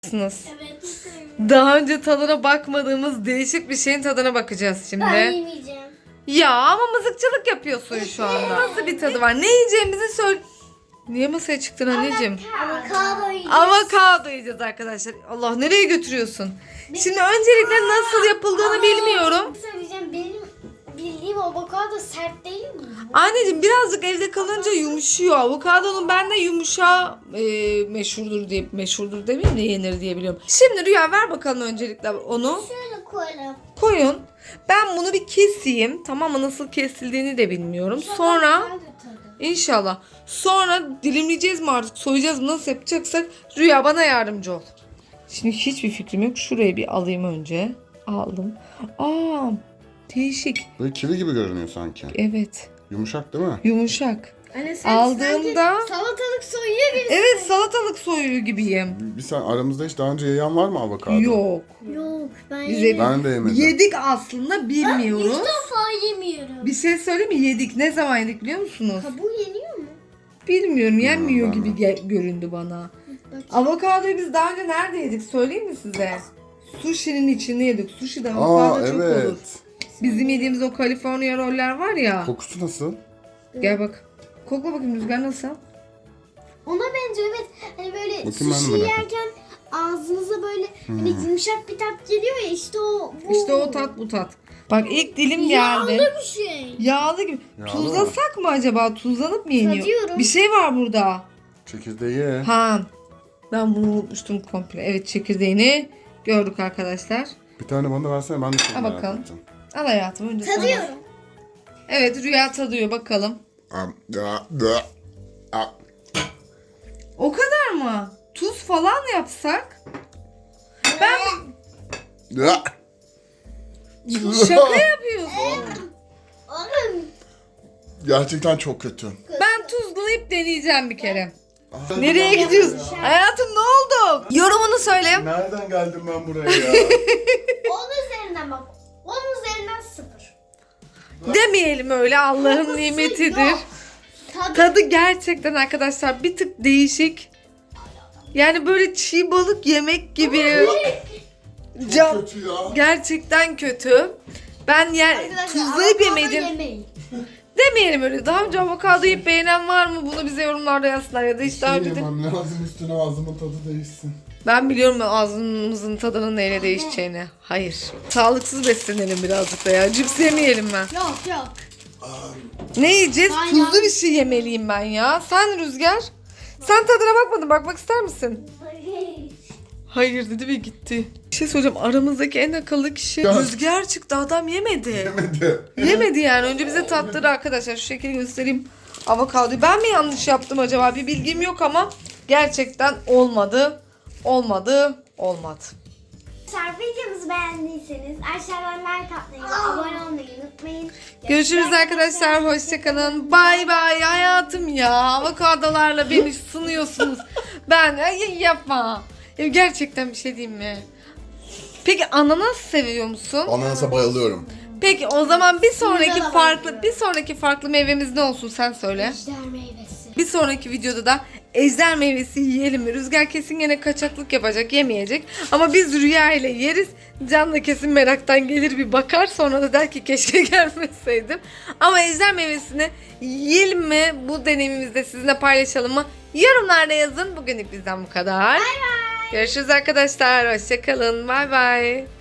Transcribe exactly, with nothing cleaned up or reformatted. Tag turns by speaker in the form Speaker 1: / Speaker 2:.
Speaker 1: Evet.
Speaker 2: Daha önce tadına bakmadığımız değişik bir şeyin tadına bakacağız şimdi.
Speaker 1: Ben yemeyeceğim.
Speaker 2: Ya ama mızıkçılık yapıyorsun şu anda. Nasıl bir tadı var? Ne yiyeceğimizi söyle. Niye masaya çıktın anneciğim?
Speaker 1: Avokado yiyeceğiz.
Speaker 2: Avokado yiyeceğiz arkadaşlar. Allah, nereye götürüyorsun? Şimdi öncelikle nasıl yapıldığını bilmiyorum.
Speaker 1: Söyleyeceğim, benim bildiğim avokado sert değil mi?
Speaker 2: Anneciğim birazcık evde kalınca yumuşuyor. Avokadonun bende yumuşağı e, meşhurdur diye meşhurdur demeyeyim de yenir diye biliyorum. Şimdi Rüya ver bakalım öncelikle onu.
Speaker 1: Şöyle koyalım.
Speaker 2: Koyun. Ben bunu bir keseyim. Tamam mı? Nasıl kesildiğini de bilmiyorum. Sonra inşallah. Sonra dilimleyeceğiz mi artık? Soyacağız mı? Nasıl yapacaksak Rüya bana yardımcı ol. Şimdi hiçbir fikrim yok. Şurayı bir alayım önce. Aldım. Aa, değişik.
Speaker 3: Böyle kivi gibi görünüyor sanki.
Speaker 2: Evet.
Speaker 3: Yumuşak değil mi?
Speaker 2: Yumuşak.
Speaker 1: Anne sen
Speaker 2: Aldığımda
Speaker 1: sanki salatalık soyuyor gibisin.
Speaker 2: evet, salatalık soyuyor gibiyim.
Speaker 3: Bir sen aramızda hiç daha önce yiyen var mı avokado?
Speaker 2: Yok.
Speaker 1: Yok, ben
Speaker 2: Biz
Speaker 1: yemiyorum.
Speaker 3: Ben de yemedim.
Speaker 2: Yedik aslında, bilmiyoruz.
Speaker 1: İlk defa yemiyorum.
Speaker 2: Bir şey söyleyeyim mi? Yedik. Ne zaman yedik biliyor musunuz?
Speaker 1: Kabuğu yeniyor mu?
Speaker 2: Bilmiyorum. Yenmiyor
Speaker 3: ben
Speaker 2: gibi
Speaker 3: de.
Speaker 2: ge- göründü bana. Avokadoyu biz daha önce nerede yedik söyleyeyim mi size? Sushi'nin içinde yedik. Sushi'de avokado
Speaker 3: Aa
Speaker 2: çok olur.
Speaker 3: evet.
Speaker 2: Bizim yediğimiz o California roller var ya.
Speaker 3: Kokusu nasıl?
Speaker 2: Gel bak. Kokla bakayım Rüzgar, nasıl?
Speaker 1: Ona benziyor, evet. Hani böyle
Speaker 3: Bakayım, ben de
Speaker 1: sushi
Speaker 3: merak
Speaker 1: yerken ağzınıza böyle hani yumuşak bir tat geliyor ya, işte o bu.
Speaker 2: İşte o tat bu tat. Bak ilk dilim
Speaker 1: Yağlı
Speaker 2: geldi.
Speaker 1: bir şey.
Speaker 2: Yağlı gibi.
Speaker 3: Yağlı
Speaker 2: Tuzlasak mı acaba? Tuzlanıp mı yeniyor?
Speaker 1: Tadıyorum.
Speaker 2: Bir şey var burada.
Speaker 3: Çekirdeği ye.
Speaker 2: Ha. Ben bunu unutmuştum komple. Evet, çekirdeğini gördük arkadaşlar.
Speaker 3: Bir tane bana da versene, ben de çok
Speaker 2: Al
Speaker 3: merak
Speaker 2: bakalım.
Speaker 3: ettim.
Speaker 2: Al hayatım önce sana.
Speaker 1: Tadıyorum.
Speaker 2: Evet, Rüya tadıyor bakalım.
Speaker 3: Am, da, da, a.
Speaker 2: O kadar mı? Tuz falan yapsak? Ben
Speaker 3: Da.
Speaker 2: şaka yapıyorsun.
Speaker 1: Oğlum.
Speaker 3: Gerçekten çok kötü.
Speaker 2: Ben tuzlayıp deneyeceğim bir kere.
Speaker 3: Aa,
Speaker 2: Nereye gidiyorsun? Hayatım ne oldu? Yorumunu söyle.
Speaker 3: Nereden geldim ben buraya ya?
Speaker 1: Onun üzerinden bak. Onun üzerinden sıfır.
Speaker 2: Demeyelim öyle, Allah'ın nimetidir.
Speaker 1: Yok. Tadı.
Speaker 2: Tadı gerçekten arkadaşlar bir tık değişik. Yani böyle çiğ balık yemek gibi. Can,
Speaker 3: Kötü ya.
Speaker 2: gerçekten kötü. Ben yer
Speaker 1: Arkadaşlar,
Speaker 2: tuzlayıp
Speaker 1: avokado
Speaker 2: yemedim.
Speaker 1: yemeyin.
Speaker 2: Demeyelim öyle. Daha önce avokado yiyip beğenen var mı? Bunu bize yorumlarda yazsınlar ya da hiç daha
Speaker 3: Şey
Speaker 2: önce de.
Speaker 3: yemem lazım, üstüne ağzımın tadı değişsin.
Speaker 2: Ben biliyorum ağzımızın tadının neyle değişeceğini. Hayır. Sağlıksız beslenelim birazcık da ya. Cips yemeyelim ben.
Speaker 1: Yok yok.
Speaker 2: Ne yiyeceğiz?
Speaker 1: Ben
Speaker 2: Tuzlu
Speaker 1: ya-
Speaker 2: bir şey yemeliyim ben ya. Sen Rüzgar. Sen tadına bakmadın. Bakmak ister misin? Hayır dedi ve gitti. Bir şey söyleyeceğim. Aramızdaki en akıllı kişi
Speaker 3: Ya.
Speaker 2: Rüzgar çıktı. Adam yemedi.
Speaker 3: Yemedi.
Speaker 2: Yemedi yani. Önce bize tattırdı arkadaşlar. Şu şekilde göstereyim. Avokadoyu. Ben mi yanlış yaptım acaba? Bir bilgim yok ama gerçekten olmadı. Olmadı. Olmadı.
Speaker 1: Arkadaşlar, videomuzu beğendiyseniz aşağıdan like atmayı ve abone olmayı unutmayın.
Speaker 2: Görüşürüz arkadaşlar. Hoşçakalın. Bay bay hayatım ya. Avokadolarla beni sınıyorsunuz. Ben ay, yapma. Ya gerçekten bir şey diyeyim mi? Peki ananas seviyor musun?
Speaker 3: Ananasa bayılıyorum.
Speaker 2: Peki o zaman bir sonraki
Speaker 1: da
Speaker 2: farklı
Speaker 1: bayılıyorum.
Speaker 2: bir sonraki farklı meyvemiz ne olsun sen söyle.
Speaker 1: Ejder meyvesi.
Speaker 2: Bir sonraki videoda da ejder meyvesi yiyelim mi? Rüzgar kesin yine kaçaklık yapacak, yemeyecek. Ama biz Rüya ile yeriz. Can da kesin meraktan gelir bir bakar. Sonra da der ki keşke gelmeseydim. Ama ejder meyvesini yiyelim mi? Bu deneyimimizi de sizinle paylaşalım mı? Yorumlarda yazın. Bugünlük bizden bu kadar.
Speaker 1: Bay bay.
Speaker 2: Görüşürüz arkadaşlar. Hoşçakalın. Bay bay.